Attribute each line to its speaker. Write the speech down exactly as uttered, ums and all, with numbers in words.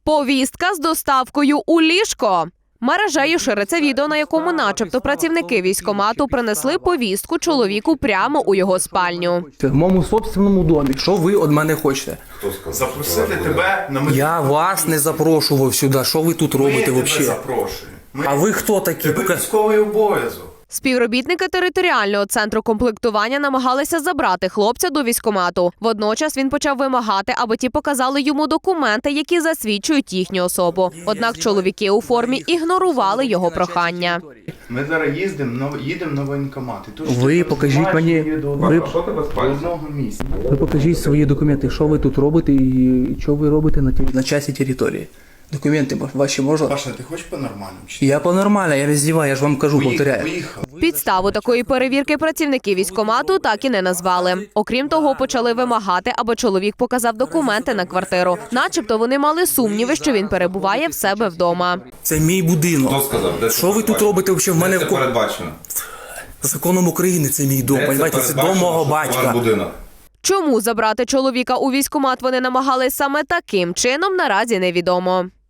Speaker 1: Повістка з доставкою у ліжко. Мережею шириться відео, на якому начебто працівники військкомату принесли повістку чоловіку прямо у його спальню.
Speaker 2: В моєму собственному домі. Що ви від мене хочете?
Speaker 3: Запросити тебе на медичну.
Speaker 2: Я вас не запрошував сюди. Що ви тут робите
Speaker 3: Ми тебе
Speaker 2: взагалі?
Speaker 3: запрошуємо. Ми...
Speaker 2: А ви хто такі?
Speaker 3: Тебе
Speaker 2: Пока-
Speaker 3: військовий обов'язок.
Speaker 1: Співробітники територіального центру комплектування намагалися забрати хлопця до військкомату. Водночас він почав вимагати, аби ті показали йому документи, які засвідчують їхню особу. Однак чоловіки у формі ігнорували його прохання.
Speaker 3: Ми зараз їздимо, на- їдемо на воєнкомат. І тут
Speaker 2: Ви
Speaker 3: ще
Speaker 2: покажіть
Speaker 3: знаєш,
Speaker 2: мені-
Speaker 3: є до,
Speaker 2: ви-
Speaker 3: до одного місця.
Speaker 2: Ви покажіть свої документи, що ви тут робите і що ви робите на, ті- на часі території. Документи ваші можна?
Speaker 3: Паша, ти хочеш по-нормальному? чи?
Speaker 2: Я по-нормально, я не здіваю, я ж вам кажу,
Speaker 3: Поїхав,
Speaker 2: повторяю.
Speaker 3: поїхав.
Speaker 1: Підставу такої перевірки працівники військкомату так і не назвали. Окрім того, почали вимагати, аби чоловік показав документи на квартиру. Начебто вони мали сумніви, що він перебуває в себе вдома.
Speaker 2: Це мій будинок.
Speaker 4: Хто сказав? Де це
Speaker 2: Що ви тут
Speaker 4: передбачено?
Speaker 2: робите взагалі? В мене
Speaker 4: Де
Speaker 2: в
Speaker 4: це
Speaker 2: ко-
Speaker 4: передбачено?
Speaker 2: законом України це мій дом.
Speaker 4: Де це
Speaker 2: Понимаєте, це дом
Speaker 4: передбачено,
Speaker 2: мого
Speaker 4: що це ваш
Speaker 2: батька.
Speaker 4: будинок?
Speaker 1: Чому забрати чоловіка у військкомат вони намагались саме таким чином, наразі невідомо.